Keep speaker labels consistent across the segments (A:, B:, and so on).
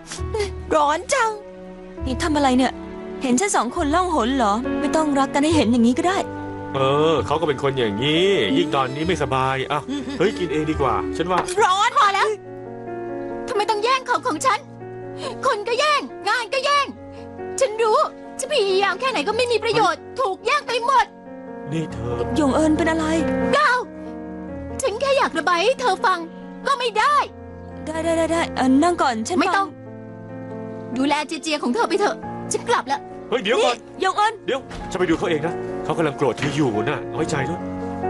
A: ร้อนจังนี่ทำอะไรเนี่ยเห็นฉัน2 คนล่องหนเหรอไม่ต้องรักกันให้เห็นอย่างนี้ก็ได้
B: เขาก็เป็นคนอย่างนี้ยิ่งตอนนี้ไม่สบายอ่ะเฮ้ยกินเองดีกว่าฉันว่า
A: ร้อน
C: พอแล้วทำไมต้องแย่งของฉันคนก็แย่งงานก็แย่งฉันรู้จะพยายามแค่ไหนก็ไม่มีประโยชน์ถูกแย่งไปหมด
B: นี่เธอ
A: หยงเอิญเป็นอะไร
C: ก้าวฉันแค่อยากระบายให้เธอฟังก็ไม่ได้
A: ได้นั่งก่อนฉัน
C: ไม่ต้องดูแลเจียของเธอไปเถอะฉันกลับแล้ว
B: เฮ้ยเดี๋ยวก่อน
A: หยงเอิญ
B: เดี๋ยวจะไปดูเขาเองนะเขากำลังโกรธเธออยู่น่ะน้อยใจด้วย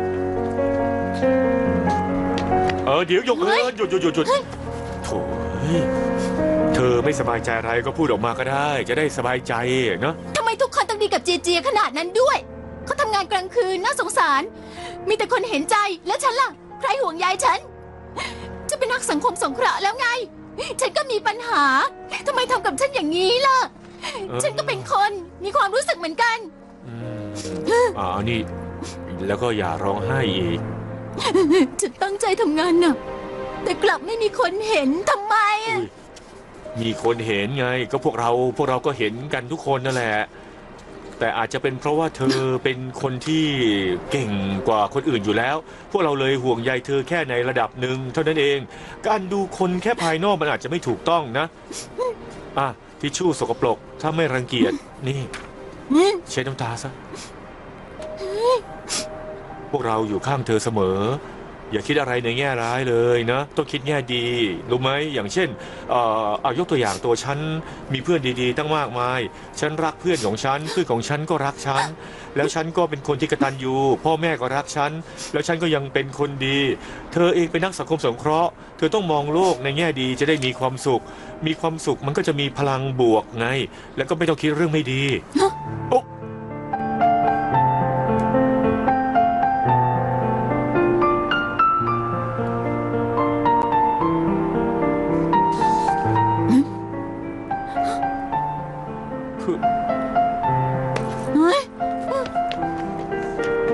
B: เดี๋ยวหยงเอิญหยุดโถ่เธอไม่สบายใจอะไรก็พูดออกมาก็ได้จะได้สบายใจเนาะ
C: ทำไมทุกคนต้องดีกับเจียขนาดนั้นด้วยเขาทำงานกลางคืนน่าสงสารมีแต่คนเห็นใจแล้วฉันล่ะใครห่วงใยฉันจะเป็นนักสังคมสงเคราะห์แล้วไงฉันก็มีปัญหาทำไมทำกับฉันอย่างนี้ล่ะฉันก็เป็นคนมีความรู้สึกเหมือนกัน
B: นี่แล้วก็อย่าร้องไห้อีก
C: ฉันตั้งใจทำงานน่ะแต่กลับไม่มีคนเห็นทำไม
B: มีคนเห็นไงก็พวกเราก็เห็นกันทุกคนนั่นแหละแต่อาจจะเป็นเพราะว่าเธอเป็นคนที่เก่งกว่าคนอื่นอยู่แล้วพวกเราเลยห่วงใยเธอแค่ในระดับหนึ่งเท่านั้นเองการดูคนแค่ภายนอกมันอาจจะไม่ถูกต้องนะทิชชู่สกปรกถ้าไม่รังเกียจนี่เช็ดน้ำตาซะพวกเราอยู่ข้างเธอเสมออย่าคิดอะไรในแง่ร้ายเลยนะต้องคิดแง่ดีรู้ไหมอย่างเช่นเอายกตัวอย่างตัวฉันมีเพื่อนดีๆตั้งมากมายฉันรักเพื่อนของฉันเพื่อนของฉันก็รักฉันแล้วฉันก็เป็นคนที่กตัญญูพ่อแม่ก็รักฉันแล้วฉันก็ยังเป็นคนดีเธอเองเป็นนักสังคมสงเคราะห์เธอต้องมองโลกในแง่ดีจะได้มีความสุขมันก็จะมีพลังบวกไงแล้วก็ไม่ต้องคิดเรื่องไม่ดีโอ๊ะ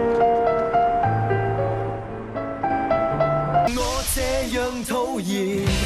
D: 我這樣討厭